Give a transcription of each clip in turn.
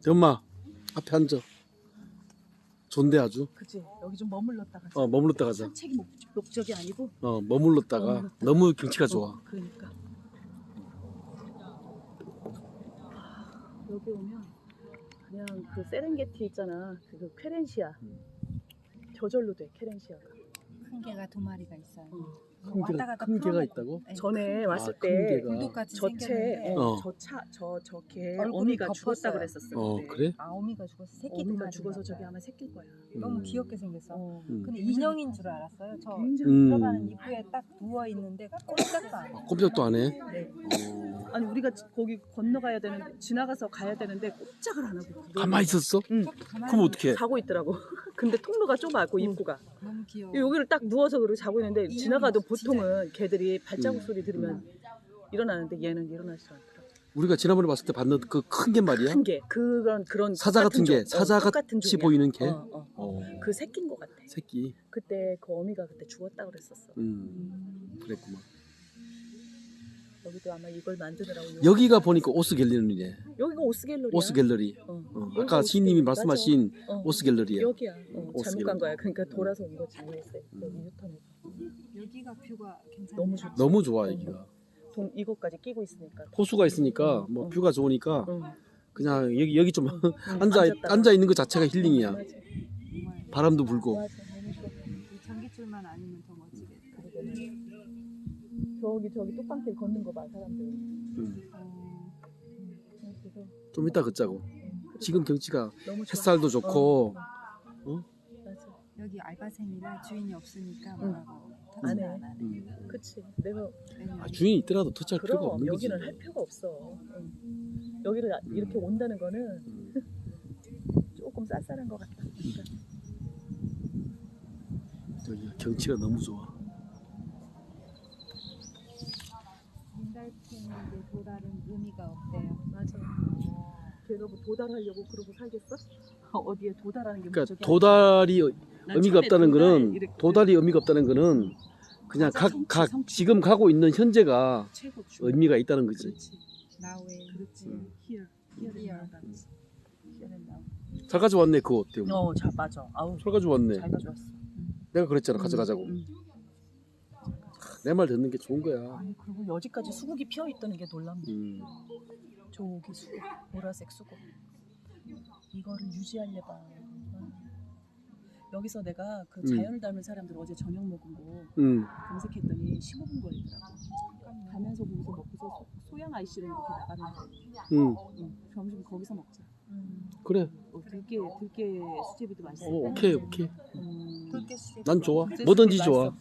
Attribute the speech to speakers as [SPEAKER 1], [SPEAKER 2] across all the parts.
[SPEAKER 1] 엄마 앞에 앉아. 좋은데 아주.
[SPEAKER 2] 그치. 여기 좀 머물렀다 가자.
[SPEAKER 1] 머물렀다 가자.
[SPEAKER 2] 산책이 목적이 아니고.
[SPEAKER 1] 머물렀다가 너무 경치가 좋아.
[SPEAKER 2] 그러니까. 여기 오면 그냥 그 세렝게티 있잖아. 그 퀘렌시아. 저절로 돼 케렌시아가.
[SPEAKER 3] 큰 개가 2마리가 있어요.
[SPEAKER 1] 큰 개가 있다고?
[SPEAKER 3] 네.
[SPEAKER 2] 전에 왔을
[SPEAKER 1] 큰
[SPEAKER 2] 때
[SPEAKER 1] 개가.
[SPEAKER 3] 굴독같이
[SPEAKER 2] 저채
[SPEAKER 3] 생겼는데
[SPEAKER 2] 저개
[SPEAKER 3] 얼굴이
[SPEAKER 2] 어미가
[SPEAKER 3] 덮었어요.
[SPEAKER 2] 죽었다 그랬었어. 근데.
[SPEAKER 1] 그래?
[SPEAKER 3] 어미가 죽어서 새끼
[SPEAKER 2] 어미가
[SPEAKER 3] 2마리
[SPEAKER 2] 죽어서 저기 아마 새끼일 거야.
[SPEAKER 3] 너무 귀엽게 생겼어. 근데
[SPEAKER 2] 굉장히
[SPEAKER 3] 인형인 줄 알았어요. 저
[SPEAKER 2] 굉장히
[SPEAKER 3] 들어가는 입구에 딱 누워 있는데 꼼짝도 안 해.
[SPEAKER 1] 꼼짝도 안 해.
[SPEAKER 2] 네. 아니 우리가 거기 건너가야 되는데 지나가서 가야 되는데 꼼짝을 안 하고
[SPEAKER 1] 가만히 있었어?
[SPEAKER 2] 응.
[SPEAKER 1] 그럼 어떡해?
[SPEAKER 2] 자고 있더라고. 근데 통로가 좁아 그 입구가.
[SPEAKER 3] 너무 귀여워.
[SPEAKER 2] 여기를 딱 누워서 그러고 자고 있는데
[SPEAKER 3] 인형이
[SPEAKER 2] 지나가도
[SPEAKER 3] 진짜
[SPEAKER 2] 보통은 개들이 발자국 소리 들으면 일어나는데 얘는 일어나지 않더라고.
[SPEAKER 1] 우리가 지난번에 봤을 때 봤는 그 큰 개 말이야?
[SPEAKER 2] 큰 개. 그런
[SPEAKER 1] 사자 같은 개, 사자
[SPEAKER 2] 똑같은
[SPEAKER 1] 같이
[SPEAKER 2] 종이야.
[SPEAKER 1] 보이는 개?
[SPEAKER 2] 그 새끼인 것 같아.
[SPEAKER 1] 새끼.
[SPEAKER 2] 그때 그 어미가 그때 죽었다 그랬었어.
[SPEAKER 1] 그랬구만.
[SPEAKER 2] 여기도 아마 이걸 만드느라고.
[SPEAKER 1] 여기가 보니까 오스 갤러리네.
[SPEAKER 2] 여기가 오스 갤러리야.
[SPEAKER 1] 오스 갤러리.
[SPEAKER 2] 여기가
[SPEAKER 1] 아까
[SPEAKER 2] 오스
[SPEAKER 1] 시인님이
[SPEAKER 2] 갤러리.
[SPEAKER 1] 말씀하신
[SPEAKER 2] 맞아.
[SPEAKER 1] 오스 갤러리야.
[SPEAKER 2] 여기야.
[SPEAKER 1] 오스
[SPEAKER 2] 잘못
[SPEAKER 1] 갤러리.
[SPEAKER 2] 간 거야. 그러니까 돌아서 온 거지. 여기 유턴해서.
[SPEAKER 3] 여기가 뷰가 괜찮아.
[SPEAKER 2] 너무 좋지.
[SPEAKER 1] 너무 좋아 여기가.
[SPEAKER 2] 이것까지 끼고 있으니까.
[SPEAKER 1] 호수가 있으니까 뭐 뷰가 좋으니까
[SPEAKER 2] 응.
[SPEAKER 1] 그냥 여기 좀
[SPEAKER 2] 앉았다가.
[SPEAKER 1] 앉아 있는 것 자체가 힐링이야.
[SPEAKER 2] 맞아.
[SPEAKER 3] 정말
[SPEAKER 1] 바람도 불고.
[SPEAKER 2] 맞아. 너무 좋아.
[SPEAKER 3] 이 전기줄만 아니면 더 멋지겠다.
[SPEAKER 2] 저기 뚝방길 걷는 거 봐 사람들. 그래서
[SPEAKER 1] 좀 이따 걷자고. 지금 경치가
[SPEAKER 2] 너무 좋아.
[SPEAKER 1] 햇살도 좋고.
[SPEAKER 2] 맞아.
[SPEAKER 3] 여기 알바생이라 주인이 없으니까
[SPEAKER 2] 응.
[SPEAKER 3] 뭐라고
[SPEAKER 2] 안
[SPEAKER 3] 터치를
[SPEAKER 2] 해.
[SPEAKER 3] 안 하네.
[SPEAKER 2] 그치. 내가
[SPEAKER 1] 주인이 있더라도 터치할 필요가
[SPEAKER 2] 그럼
[SPEAKER 1] 없는 거지.
[SPEAKER 2] 여기는 할 필요가 없어. 여기를 이렇게 온다는 거는 조금 쌀쌀한 것 같다. 그러니까.
[SPEAKER 1] 여기 경치가 너무 좋아.
[SPEAKER 3] 민달팽이의 도달은 의미가 없대요.
[SPEAKER 2] 맞아. 걔가 뭐 도달하려고 그러고 살겠어? 어디에 도달하는 게
[SPEAKER 1] 그러니까
[SPEAKER 2] 목적이
[SPEAKER 1] 도달이
[SPEAKER 2] 난
[SPEAKER 1] 의미가
[SPEAKER 2] 처음에
[SPEAKER 1] 없다는
[SPEAKER 2] 도달
[SPEAKER 1] 거는
[SPEAKER 2] 이렇게
[SPEAKER 1] 도달이 의미가 없다는 거는 그냥
[SPEAKER 2] 맞아,
[SPEAKER 1] 각
[SPEAKER 2] 성취.
[SPEAKER 1] 지금 가고 있는 현재가
[SPEAKER 2] 최고 중.
[SPEAKER 1] 의미가 있다는 거지.
[SPEAKER 2] 그렇지.
[SPEAKER 3] 나우에
[SPEAKER 2] 그렇지.
[SPEAKER 3] Here.
[SPEAKER 2] Here.
[SPEAKER 1] 잘 가져왔네 그거 어때요?
[SPEAKER 2] 잘 맞아. 아우
[SPEAKER 1] 잘 가져왔네.
[SPEAKER 2] 잘 가져왔어.
[SPEAKER 1] 내가 그랬잖아 가져가자고. 내 말 듣는 게 좋은 거야.
[SPEAKER 2] 아니 그리고 여기까지 수국이 피어 있다는 게 놀랍네. 저기 수국, 보라색 수국. 이거를 유지하려봐. 여기서 내가 그 자연을 닮은 사람들 어제 저녁 먹은 거 검색했더니 15분 걸리더라고. 가면서 거기서 먹고서 소양 IC로 이렇게 나가는데. 점심 거기서 먹자.
[SPEAKER 1] 그래.
[SPEAKER 2] 들깨 수제비도 맛있어.
[SPEAKER 1] 오케이.
[SPEAKER 3] 붉게 수제.
[SPEAKER 1] 난 좋아. 뭐든지 좋아.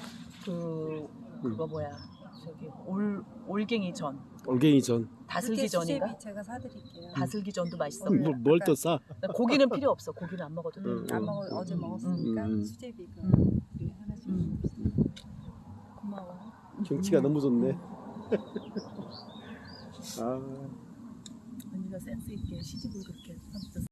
[SPEAKER 2] 그거 뭐야? 저기 올갱이 전,
[SPEAKER 1] 올갱이 전.
[SPEAKER 2] 다슬기 전인가?
[SPEAKER 3] 수제비 제가 사드릴게요.
[SPEAKER 2] 다슬기 전도 맛있어.
[SPEAKER 1] 뭘 또 싸?
[SPEAKER 2] 고기는 필요 없어. 고기는 안 먹어도 돼.
[SPEAKER 3] 안 먹어 어제 먹었으니까 수제비 그 우리 하나씩.
[SPEAKER 2] 고마워.
[SPEAKER 1] 경치가 너무 좋네. 아.
[SPEAKER 2] 언니가 센스 있게 시집을 그렇게 하면서